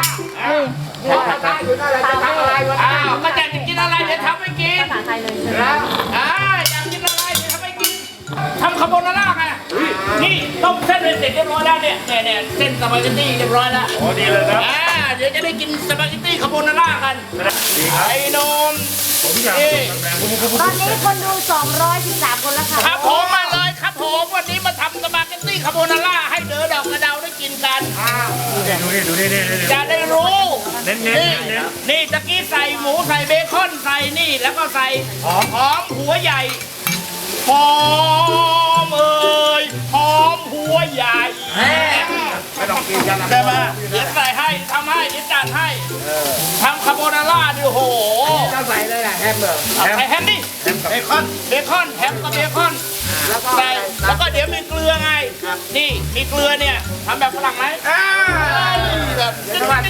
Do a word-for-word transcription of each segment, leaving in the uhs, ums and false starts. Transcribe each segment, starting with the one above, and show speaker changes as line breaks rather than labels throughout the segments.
นี่ภาษาอยู่นั่นแหละจะทำอะไรวะอ้าวก็จะกินอะไรเดี๋ยวทำให้กิน
ภาษาไทยเลย
แล้วอ่าอยากกินอะไรเดี๋ยวทำให้กินทำคาโบนาร่าไงนี่ต้มเส้นเป็นเสร็จเรียบร้อยแล้วเนี่ยเนี่ยเนี่ยเส้นสปาเกตตี้เรียบร้อยแล้ว
โอ้ดีเลยครับ
อ่าเดี๋ยวจะได้กินสปาเกตตี้คาโบนาร่ากันไอ้นม
ผมอยาก
ตอนนี้คนดูสองร้อยสิบสามคนแล้วค่ะ
ครับผมมาเลยครับผมวันนี้มาทำสปาเกตตี้คาโบนาร่าให้เด๋อดอกกระเดาได้กินกัน
ดูนี่ดูนี่นี่
จะได้รู้
เน้นเน้นเน้น
นี่ตะกี้ใส่หมูใส่เบคอนใส่นี่แล้วก็ใส่หอมหอมหัวใหญ่หอมเอ่ยหอมหัวใหญ่
ไม่ต้องกินกันนะ
ได้ไหมเดี๋ยวใส่ให้ทำให้เดี๋ยวจัดให้ทำคาโบนาร่าดิโห
จะใส่เลยแหละแฮมเบอร์
ใส่แฮมดิเบคอนเบคอนแฮมกับเบคอนใส่แล้วก็เดี๋ยวมีเกลือไงนี่มีเกลือเนี่ยทำแบบฝรั่งไหมแบบ
สวัส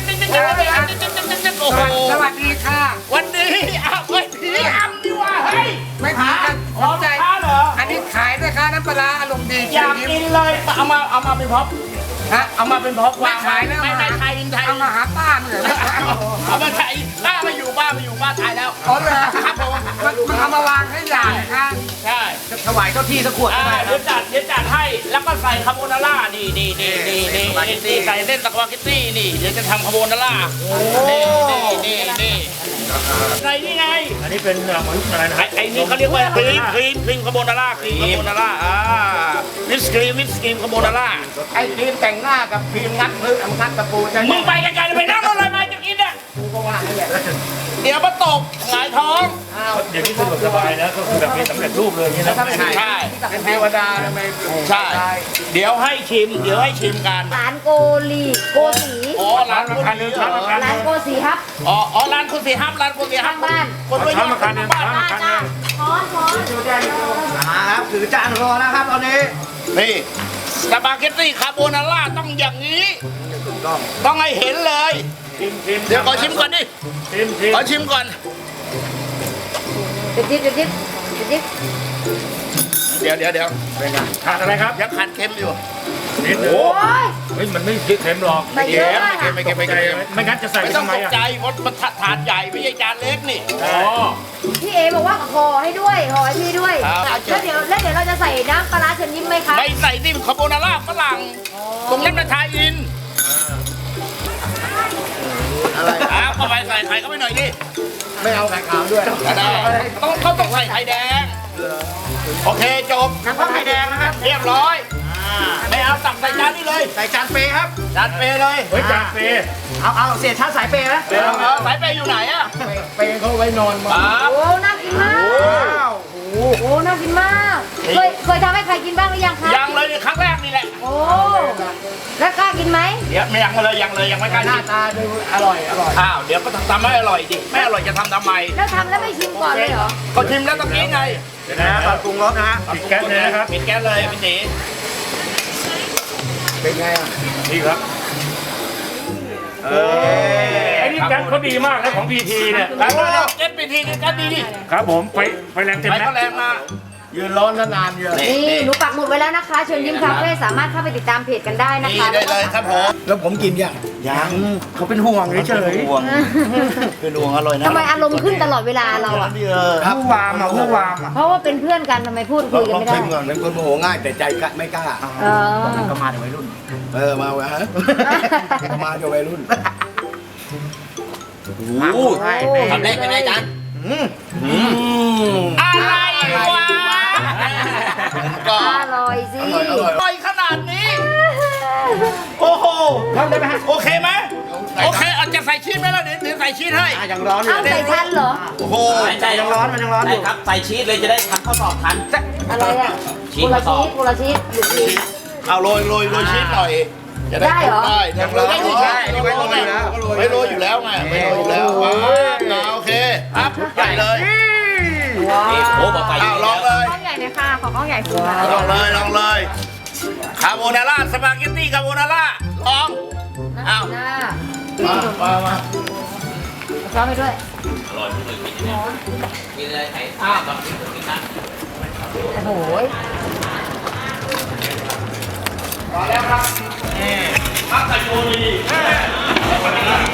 ดีค่ะ
วันนี้อ้าวเฮ้ยผีอำดีว่าเฮ้ย
ไม่ผีกันขอบใจอันนี้ขายด้วยค่ะน้ำปลาอารมณ์ดี
อยากกินเลยเอามาเอามาเป็นพ็อปฮะเอามาเป็นพ็อป
ไม่ขายนะ
ไม่ไม่ไทยไทย
เอามาหาป้าเหมือน
เอามาไทยป้ามาอยู่ป้ามาอยู่ป้าไทยแล้ว
อ๋อเลยครับผมมันเอามาวางให้ใหญ่ค่ะ
ใช่
ถวายเจ้าที่สักขวด
เดี๋ยวจัดเดี๋ยวจัดให้แล้วก็ใส่คาโบนาร่านี่นี่นี่นี่นี่นี่ใส่เส้นสปาเกตตี้นี่เดี๋ยวจะทำคาโบนาร่านี่นี่นี่นี่ใส่นี่ไง
อันนี้เป็นเหมือนอะไรนะ
ไอ้นี่เขาเรียกว่าครีมครีมครีมคาโบนาร่าครีมคาโบนาร่าอ่าวิสครีมวิสครีมคาโบนาร่า
ไอ้ครีมแต่งหน้ากับครีมงัดพื้นงัดตะปูจะ
มึงไปกันๆไปนั่งรถอะไรมาจะกินเนี่ย
กูก็ว่าให้
เดี๋ยวมาตกหงายท้อง
เดี๋ยวนี้สะดวกสบายนะก็คือแบบมีสำเร็จรูปเลยนี่นะ
ใช่
เป็นเทวดาทำไม
ใช่เดี๋ยวให้ชิมเดี๋ยวให้ชิมกัน
ร้านโกลีโกสี
อ๋อร้านร้านนึง
ร้านโกสีครับ
อ๋ออ๋อร้านคุณสีฮับร้านคุณสีฮับ
บ้าน
คนด้วย
ร้านมาคันนึงร้านมาคันนึง
ช้อนช้อน
ครับถือจานรอนะครับตอนนี้
นี่สปาเกตตี้คาโบนาร่าต้องอย่างนี้ต้องให้เห็นเลยเดี๋ยวขอชิมก่อนดิขอชิมก่อน
จิ๊บจิ๊บจิ๊บจิ๊บ
เดี๋ยวเดี๋ยวเดี๋ยว
ขาดอะไรครับ
ยังขาดเค็มอยู่
นิดนึงเฮ้ยมันไม่เค็มหรอก
ไม่เค็ม
ไม่เค็มไม่เค็มไม่เค็ม
ไม่งั้นจะใส่
ไม่ต้องตกใจเพราะมันถาดใหญ่ไม่ใช่จานเล็กนี่
อ๋อ
พี่เอบอกว่าห่อให้ด้วยห่อให้พี่ด้วยแล้วเดี๋ยวแล้วเดี๋ยวเราจะใส่น้ำปลาเชิญยิ้มไหมคะ
ไม่ใส่ที่คาโบนาร่าฝรั่งตรงนั้นเป็นไทยอินอะไรอ้าวเข้าไปใส่ไข่เข้าไปหน่อยดิ
ไม่เอาไข่ขาวด้วย
ได้ต้องเขาต้องใส่ไข่แดงโอเคจบ
น้ำปลาไข่แดงนะครับ
เรียบร้อยไม่เอาตักใส่จานนี่เลย
ใส่จานเปครับ
จานเปเลย
เฮ้ยจานเป
เอาเอาเสียชาติสายเปไหม
สายเปอยู่ไหนอะ
เปเขาไว้นอนมา
โอ้น่ากินมากโอ้น่ากินมากเคยเคยทำให้ใครกินบ้างหรือยังคะ
ยังเลยครั้งแรกนี่แหละ
โอ้แล้วกล้ากินไหม
เดี๋ยวไม่ยังเลยยังเลยยังไม่กล้า
หน้าตาดูอร่อยอร่อย
อ้าวเดี๋ยวก็ทำให้อร่อยดิไม่อร่อยจะทำทำไม
แล้วทำแล้วไม่ชิมก่อนเลยเหรอ
ก็ชิมแล้วตะกี้ไง
เดี๋ยวนะตอนปรุงรสนะฮะปิดแก๊สเลยนะครับ
ปิดแก๊สเลยพี่ตี
เป็นไงอ่ะ
ดีครับเออไอ้นี่แก๊สเขาดีมากนะของพีทีเนี่ย
แก๊สพีทีแก๊สดีดิ
ครับผมไฟไฟแรงเต็ม
นะไฟก็แรงมา
ยืนร้อนนานเยอะ
นี่หนูปักหมุดไว้แล้วนะคะเชิญยิ้มคาเฟ่สามารถเข้าไปติดตามเพจกันได้นะคะ
ได้เลยครับผม
แล้วผมกินยังยังเขาเป็นห่วงเฉย
ๆห่วงเป็นห่วงอร่อยนะ
ทำไมอารมณ์ขึ้นตลอดเวลาเราอ่ะ
ผู้วามอ่ะผู้วามอ่ะ
เพราะว่าเป็นเพื่อนกันทำไมพูดคุยกันไม่ได้
ก่อนเป็นคนโมโหง่ายแต่ใจไม่กล้า
เออ
ก็มาจากวัยรุ่นเออมาวะฮะมาจากวัยรุ่น
โอ้ทำได้เป็นไงจันอะไรวะ
ก็อร่อยสิ
อร่อยขนาดนี้โอ้โห
ทำได้ไหมฮะ
โอเคไหมโอเคอาจจะใส่ชีสไหมล่ะเดี๋ยวเดี๋ยวใส่ชีสให้
ยังร้อนอยู่
ใส่ทันเหรอ
โอ้โห
ใจยังร้อนมันยังร้อนอยู่
ครับใส่ชีสเลยจะได้ทำข้าวตอกทัน
อะไรอ่ะชีสข้าวตอกกุละชีสหรือชีส
เอาโรยโรยโรยชีสหน่อย
ได้เหรอ
ได้ยังร้อนอยู่ใช่ไม่โรยอยู่แล้วไม่โรยอยู่แล้วไงไม่โรยอยู่แล้วว้าวโอเคครับใหญ่เลยโอ้บอกไปลองเลย
กล้องใหญ่เลยค่ะขอกล้องใหญ่สุด
ลองเลยลองเลยคาโบนาร่าสปาเกตตี้คาโบนาร่าลองอ้าว
มามามาช้อนไปด้วย
อร่อยที่สุดกินเลยไอ้ข้าวกับกินกินนะ
โอ้โห
พอแล้วครับนี่พักใส่โยนี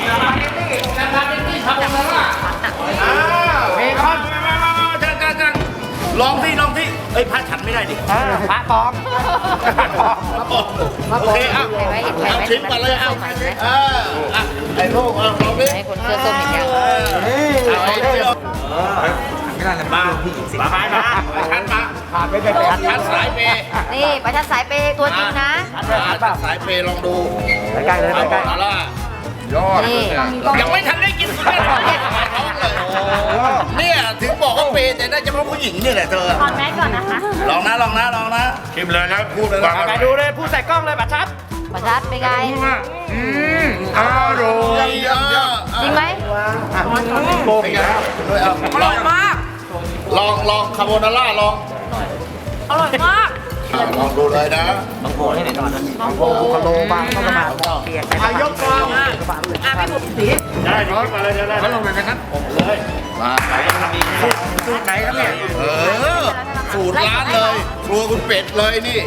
ลองที่ลองที่เอ้ยพระฉันไม่ได้ดิ
พระปลอม
โอเคเอาเอาชิมก่อนเลยเอาเอออ่ะไอ้ลูกเอาลองดิ
ให้คนเสื้อส้มอีกอย่าง
เอาไอ้เดียวมามาไปมาฉันมา
ขาดไม่ได้ขาด
ฉันสายเปย์
นี่ประชันสายเปย์ตัวจริงนะ
ฉันสายเปย์ลองดู
ใกล้ๆเลย
เอา
ใกล้
เอาละ
ยอด
นี่
ยังไม่ทันได้กินสุดเลยเนี่ยถึงบอกว่าเปย์แต่ได้เฉพาะผู้หญิงนี่แหละเธอ
ถอดแมสก่อนนะคะ
ลองนะลองนะลองนะ
ชิมเลยแล้วพูดเลย
ไปดูเลยพูดใส่กล้องเลยบัตรชัด
ประชันเป็นไง
อืมอร่อย
เยอะ
จริงไหม
โกงอีกแล้ว
ด้วยเอาลองมากลองลองคาโบนาร่าลอง
อร่อยมาก
อ่ะลองดูเลยนะ
โอ้โหกะโลบางเข้ามาเปียกไปยกกอง
อ่ะพี่บุ๋มสี
ได้ยิงมาเลยได้
มาลงเลยนะครับ
มา
สูตรไหนครับเนี่ย
เออสูตรร้านเลยครัวคุณเป็ดเลยนี่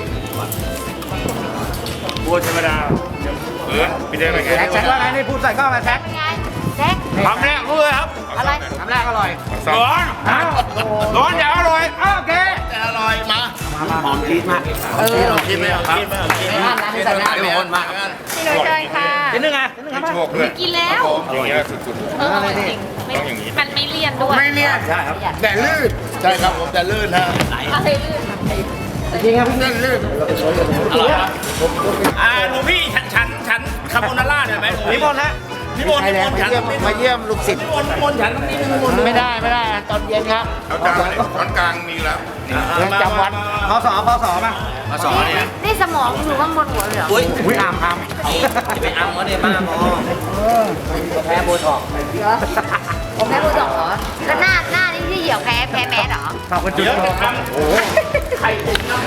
บัวธรรมดาเออพี่เด้งอะไร
แซกแซกว่าไงนี่พูดใส่กล้องมาแซก
เป็นไงแจ็ค
คำแรกรู้เลยครับ
อะไร
คำแรกอร่อย
ร้อน
อ้าว
ร้อนอย่าอร่อยอ้าวโอเค
แต่อร่อยมา
หอมชีสมาก
เออ
ลองกินไหมลองกินไหมลองกินไหม
ร้านนั้นใส่หน้า
ไม่คนมา
พี่เลยเชิญค่ะ
นิดนึงอ่ะนิดนึงครับ
โชคด้วย
กินแล้ว
อย่างเงี้ยสุด
เออจริงไม่มันไม่เลี่ยนด้วย
ไม่เลี่ยนใช่ครับแต่ลื่น
ใช่ครับผมจะลื่นฮะ
อะไรลื่น
จริงครับพี่ลื่นลื่น
อร่อยครับอ่าหลวงพี่ฉันฉันฉันคาโบนาร่าได้ไหม
นิมนต์ฮะ
นิมนต์นิมนต์ฉัน
มาเยี่ยมลูกศิษย์
นิมนต์นิมนต์ฉันต้องนิมนต์
ไม่ได้ไม่ได้ตอนเย็นครับ
ๆเอาจานมาเลยช้อนกลางมีแล้ว
เรื่องจำวัดพศพศมา
มาสอนเนี่ย
นี่สมองอยู่ข้างบนหัวเลยเหรอ
อุ้ย
อุ้ยอามอาม
จะไปอ้ำเขาเนี่ยบ้าหมอ
แพ้โบทอก
เหรอผมแพ้บูดอกเหรอแล้วหน้าหน้านี่ที่เหี่ยวแพ้แพ้แมสเหรอ
ขอบคุณจุ๊
เดี๋ยว
บ
จะทำไข่ตุ๋นน้ำ